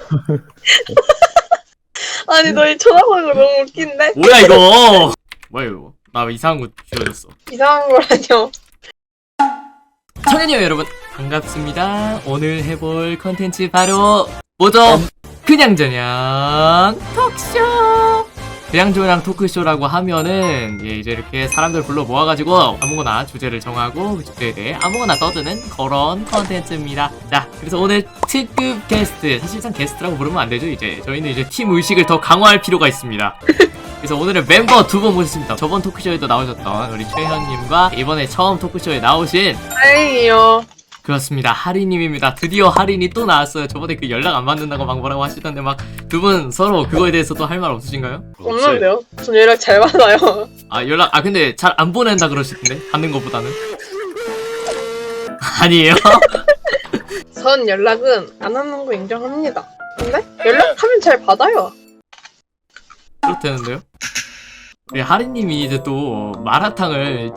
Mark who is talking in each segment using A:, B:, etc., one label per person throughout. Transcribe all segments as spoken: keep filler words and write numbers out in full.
A: 아니 너희 쳐다보는 거 너무 웃긴데?
B: 뭐야 이거? 뭐야 이거? 나 왜 이상한 거 주워졌어?
A: 이상한 거라뇨.
B: 청년이요 여러분 반갑습니다. 오늘 해볼 컨텐츠 바로 뭐죠? 그냥저냥 토크쇼. 그냥저냥 토크쇼라고 하면은 예, 이제 이렇게 사람들 불러 모아가지고 아무거나 주제를 정하고 그 주제에 대해 아무거나 떠드는 그런 컨텐츠입니다. 자, 그래서 오늘 특급 게스트, 사실상 게스트라고 부르면 안 되죠. 이제 저희는 이제 팀 의식을 더 강화할 필요가 있습니다. 그래서 오늘은 멤버 두 분 모셨습니다. 저번 토크쇼에도 나오셨던 우리 최현님과 이번에 처음 토크쇼에 나오신
A: 다행이요.
B: 그렇습니다. 하리님입니다. 드디어 하리니 또 나왔어요. 저번에 그 연락 안 받는다고 막 뭐라고 하시던데 막 두 분 서로 그거에 대해서 또 할 말 없으신가요?
A: 없는데요? 전 연락 잘 받아요.
B: 아 연락 아 근데 잘 안 보낸다 그러시던데 받는 것보다는 아니에요?
A: 전 연락은 안 하는 거 인정합니다. 근데 연락하면 잘 받아요.
B: 그렇다는데요? 우리 하리님이 이제 또 마라탕을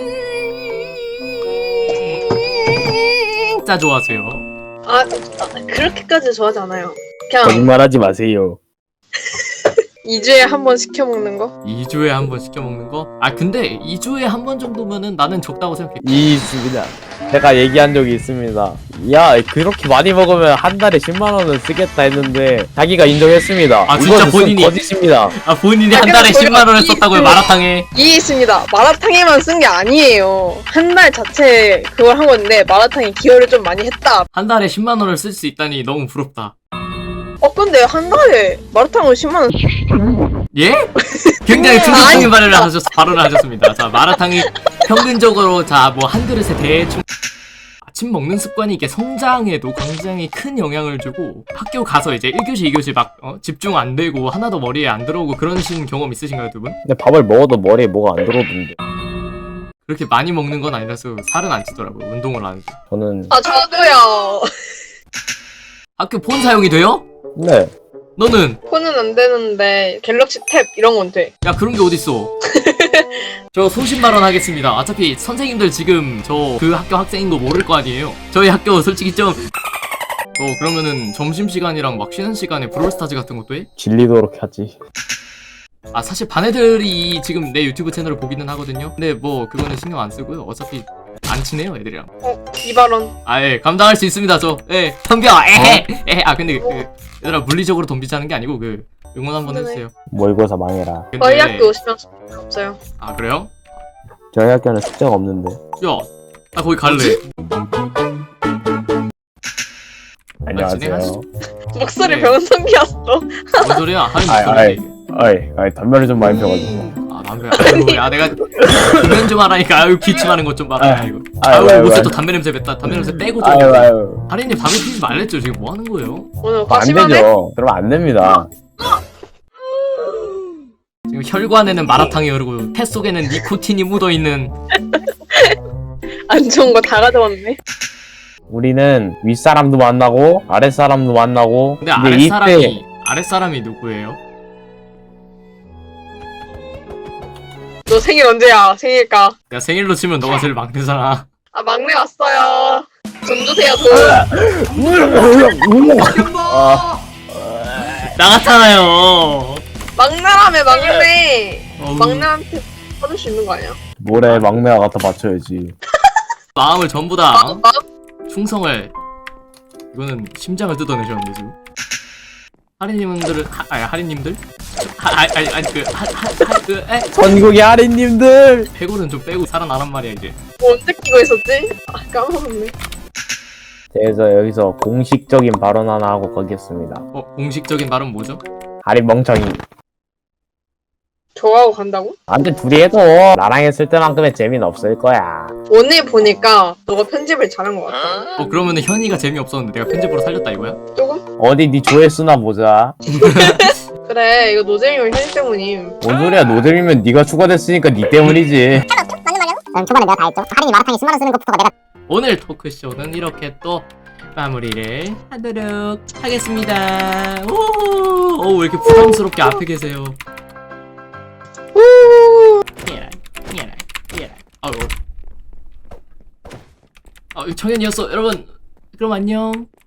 B: 진짜 좋아하세요.
A: 아, 아 그렇게까지 좋아하지 않아요. 그냥
C: 거짓말하지 마세요.
A: 이 주에 한 번 시켜 먹는 거?
B: 이 주에 한 번 시켜 먹는 거? 아 근데 이 주에 한 번 정도면은 나는 적다고 생각해.
C: 이 있습니다. 제가 얘기한 적이 있습니다. 야, 그렇게 많이 먹으면 한 달에 십만 원은 쓰겠다 했는데 자기가 인정했습니다.
B: 아, 진짜
C: 이건
B: 본인이?
C: 거짓입니다.
B: 아 본인이
A: 아,
B: 한 달에
A: 그래서
B: 십만 원을
A: 저희가
B: 썼다고요
A: 이-
B: 마라탕에?
A: 이해 있습니다. 마라탕에만 쓴 게 아니에요. 한 달 자체 그걸 한 건데 마라탕에 기여를 좀 많이 했다.
B: 한 달에 십만 원을 쓸 수 있다니 너무 부럽다.
A: 어 근데 한 달에 마라탕을 십만 원
B: 예? 굉장히 충격적인
A: 아니,
B: 발언을 하셨, 발언을 하셨습니다. 자, 마라탕이 평균적으로, 자, 뭐, 한 그릇에 대충, 아침 먹는 습관이 이게 성장에도 굉장히 큰 영향을 주고, 학교 가서 이제 일 교시, 이 교시 막, 어, 집중 안 되고, 하나도 머리에 안 들어오고, 그런 신 경험 있으신가요, 두 분?
C: 근데 밥을 먹어도 머리에 뭐가 안 들어오던데.
B: 그렇게 많이 먹는 건 아니라서 살은 안 찌더라고요, 운동을 안 해서.
C: 저는
A: 아 저도요.
B: 학교 폰 사용이 돼요?
C: 네.
B: 너는?
A: 폰은 안 되는데 갤럭시 탭 이런 건 돼.
B: 야, 그런 게 어딨어. 저 소신 발언하겠습니다. 어차피 선생님들 지금 저 그 학교 학생인 거 모를 거 아니에요. 저희 학교 솔직히 좀 어 그러면은 점심시간이랑 막 쉬는 시간에 브롤스타즈 같은 것도 해?
C: 질리도록 하지.
B: 아 사실 반 애들이 지금 내 유튜브 채널을 보기는 하거든요. 근데 뭐 그거는 신경 안 쓰고요. 어차피 안 친해요 애들이랑.
A: 어 이 발언.
B: 아예 감당할 수 있습니다 저. 예 덤벼 에헤 에헤. 아 근데 그 얘들아 물리적으로 덤비자는 게 아니고 그 응원 한번
A: 네네.
B: 해주세요.
C: 모의고사 망해라.
B: 근데
A: 저희 학교 오시면 숙제 없어요.
B: 아 그래요?
C: 저희 학교는 숙제가 없는데.
B: 야 나 거기 갈래.
C: 안녕하세요.
A: 목소리
B: 네.
A: 변성기였어.
B: 뭔 소리야? 하는
C: 아이,
B: 목소리.
C: 아이. 어이, 어이, 담배를 좀 많이 펴가지고.
B: 아 담배. 아이고 야 내가 그면 좀 하라니까. 아유 기침하는 것 좀 봐라. 아이고.
C: 아이고,
B: 아유
C: 아이고,
B: 옷에
C: 아이고.
B: 또 담배 냄새 뱉다. 담배 냄새 빼고 좀.
C: 아유, 아유.
B: 하리님 담배 피지 말랬죠. 지금 뭐 하는 거예요?
A: 오늘
C: 안
A: 과시만 해?
C: 되죠. 그러면 안 됩니다.
B: 지금 혈관에는 마라탕이 흐르고 폐 속에는 니코틴이 묻어 있는.
A: 안 좋은 거 다 가져왔네.
C: 우리는 윗사람도 만나고 아랫사람도 만나고.
B: 근데
C: 이제
B: 아랫사람이
C: 이때
B: 아랫사람이 누구예요?
A: 너 생일 언제야? 생일까?
B: 야 생일로 치면 너가 제일 막내잖아.
A: 아 막내 왔어요. 돈 주세요 돈.
C: 아,
B: 나갔잖아요.
A: 막내라며 막내.
B: 어우,
A: 막내한테 받을 수 있는 거 아니야?
C: 뭐래, 막내가 갖다 바쳐야지.
B: 마음을 전부 다
A: 마,
B: 어?
A: 마,
B: 충성을. 이거는 심장을 뜯어내셨는데 지금. 하리님들은 하, 아니 하리님들? 하, 아니 아니 아니 그하하그 에?
C: 전국의 아린님들.
B: 해골은 좀 빼고 살아나란 말이야 이제.
A: 뭐 언제 끼고 있었지? 아 까먹었네.
C: 그래서 여기서 공식적인 발언 하나 하고 가겠습니다.
B: 어 공식적인 말은 뭐죠?
C: 아린 멍청이.
A: 좋아하고 간다고?
C: 안돼, 둘이 해도 나랑 했을 때만큼의 재미는 없을 거야.
A: 오늘 보니까 너가 편집을 잘한 것 같아.
B: 어 그러면은 현이가 재미없었는데 내가 편집으로 살렸다 이거야?
A: 조금?
C: 어디 네 조회수나 보자.
A: 그래 이거 노잼이면 현실 때문임.
C: 뭔 소리야, 노잼이면 네가 추가됐으니까 네 때문이지.
D: 맞는 말이야? 응, 초반에 내가 다 했죠. 할인이 마라탕에 십만 원 쓰는 것부터가 내가
B: 오늘 토크쇼는 이렇게 또 마무리를 하도록 하겠습니다. 오, 오, 왜 이렇게 부담스럽게 앞에 계세요?
A: 후.
B: 미안해, 미안해, 미안해. 아유, 아, 청현이었어, 여러분. 그럼 안녕.